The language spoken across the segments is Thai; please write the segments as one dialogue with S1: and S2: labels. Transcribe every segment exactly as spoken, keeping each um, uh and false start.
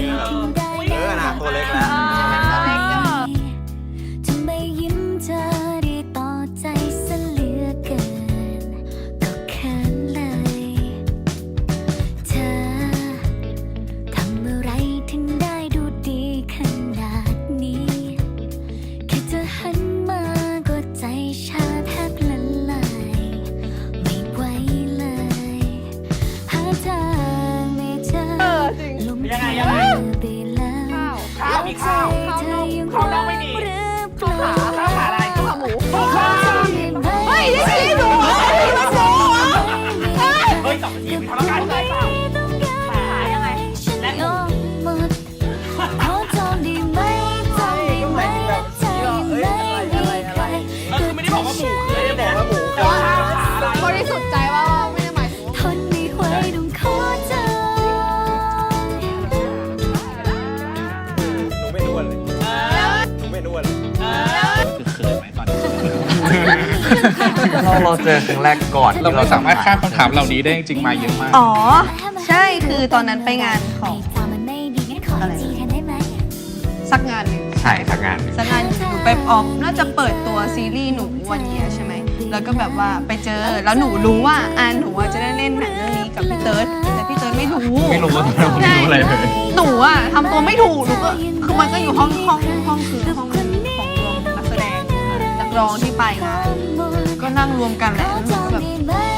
S1: แบบเออนะตัวเล็กแล้ว
S2: ทำไมยิ้มเธอได้ต่อใจซะเหลือเกินก็เขินเลยเธอทำอะไรถึงได้ดูดีขนาดนี้แค่เธอหันมาก็ใจชาแทบละลายไม่ไหวเลยหาทางไม่เจอลมยังไงยังไงไปแล้วข้าวมีข้าวข้าวน้องไม่มีข้าวขาข้าวขาอะไรข้าวขาหมูข้าวเฮ้ยได้สิหนูเฮ้ยมาโซ่เฮ้ยสองนาทีมีพลังงานเลยขายังไงและหมดขอจองได้ไหมจองได้ไหมใจไม่มีใครก็คือไม่ได้บอกว่าหมูไม่ได้บอกว่าหมูแต่ว่าบริสุทธิ์ใจว่าไม่ได้หมายถึงทนไม่ไหวต้องขอเจอ
S1: หนูไม่นวลเลยหนูไม่นวลเลย
S3: คือเขินไหมตอนนี้
S4: เราเราเจอครั้งแรกก่อน
S3: เราไม่สามารถข้ามคำถามเหล่านี้ได้จริงๆมาเยอะมาก
S5: อ๋อใช่คือตอนนั้นไปงานของอะไรสักงานหนึ่ง
S4: ใช่ทำงาน
S5: สักงานหนูไปออฟน่าจะเปิดตัวซีรีส์หนูวันเยียใช่ไหมแล้วก็แบบว่าไปเจอแล้วหนูรู้ว่าอ่าหนูจะได้เล่นหนังเรื่องนี้กับพี่เติร์ดแต่พี่เติร์ดไม่รู้
S4: ไม่รู้ว่าไม่รู้อะไรเลย
S5: หนูอะทำตัวไม่ถูกหนูก็คือมันก็อยู่ห้องห้องห้องคือห้องของรวมนักแสดงนักร้องที่ไปงานก็นั่งรวมกันแหละแล้วหนูก็แบบ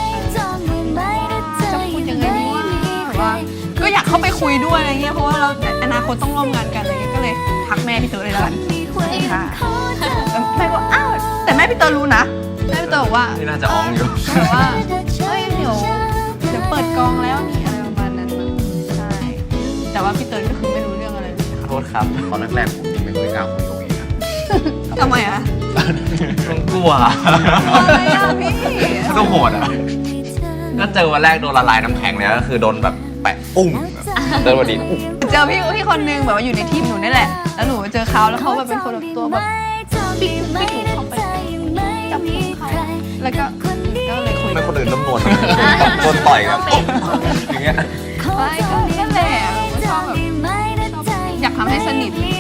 S5: จะพูดยังไงดีว่าแบบว่าก็อยากเข้าไปคุยด้วยอะไรเงี้ยเพราะว่าเราอนาคตต้องร่วมงานกันอะไรเงี้ยก็เลยทักแม่พี่เต๋อเลยแล้วกันสวัสดีค่ะแม่บอกอ้าวแต่แม่พี่เต๋อรู้นะแม่พี่เต๋อบอกว่า
S4: นี่น่าจะอ้องอยู่
S5: บอกว่าเฮ้ยเดี๋ยวเดี๋ยวเปิดกองแล้วนี่อะไรประมาณนั้นใช่แต่ว่าพี่เต๋อก็คือไม่รู้เรื่องอะไรเลย
S4: โทษครับตอนแรกๆผมยังไม่เคยกล้าคุยกับเองนะ
S5: ทำไมอะ
S4: ต้องกลัว
S5: อะไรอะพี่
S4: ก็โหดอ่ะก็เจอวันแรกโดนละลายน้ำแข็งเลยก็คือโดนแบบแปะปุ้งเดินวันดี
S5: เจอพี่พี่คนนึงแบบว่าอยู่ในทีมหนูนี่แหละแล้วหนูเจอเขาแล้วเขาแบบเป็นคนแบบตัวแบบปิ๊กไม่ถูกเข้าไปจับผมเขาแล้วก็ก็เลยคุย
S4: ไม่คนอื่นน้ำนวลโดนต่อยครับอย่างเงี้ย
S5: ไม่ก็นั่นแหละชอบแบบอยากทำให้สนิท